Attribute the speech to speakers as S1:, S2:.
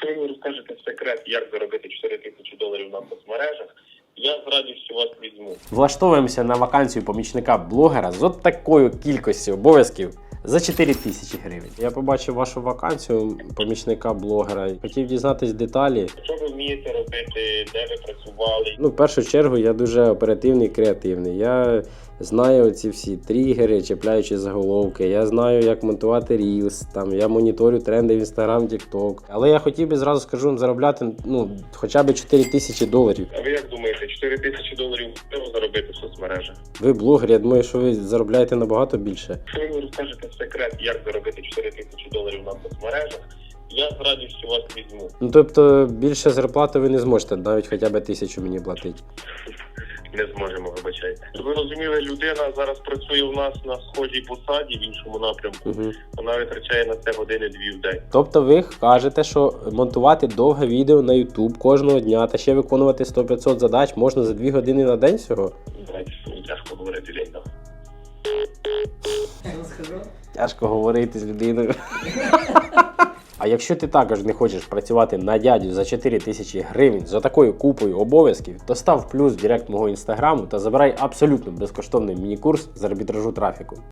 S1: Якщо ви мені розкажете секрет, як заробити $4000 на соцмережах, я з радістю вас візьму.
S2: Влаштовуємося на вакансію помічника блогера з от такою кількістю обов'язків за 4000 гривень. Я побачив вашу вакансію помічника блогера. Хотів дізнатись деталі.
S1: Що ви вмієте робити, де ви працювали?
S2: В першу чергу я дуже оперативний і креативний. Я знаю ці всі тригери, чіпляючи заголовки. Я знаю, як монтувати Reels, я моніторю тренди в Instagram, TikTok. Але я хотів би, зразу скажу, заробляти хоча б $4000.
S1: А ви як думаєте, $4000 можливо заробити в соцмережах?
S2: Ви блогер, я думаю, що ви заробляєте набагато більше.
S1: Якщо ви мені розкажете секрет, як заробити $4000 на соцмережах, я з радістю вас візьму.
S2: Тобто більше зарплати ви не зможете, навіть хоча б 1000 мені платити.
S1: Не зможемо, вибачайте. Ви розуміли, людина зараз працює у нас на схожій посаді в іншому напрямку. Вона витрачає на це години-2 в день.
S2: Тобто ви кажете, що монтувати довге відео на YouTube кожного дня та ще виконувати 100-500 задач можна за 2 години на день всього?
S1: Мені тяжко говорити день.
S2: Тяжко говорити з людиною. А якщо ти також не хочеш працювати на дядю за 4000 гривень за такою купою обов'язків, то став плюс в директ мого інстаграму та забирай абсолютно безкоштовний міні-курс з арбітражу трафіку.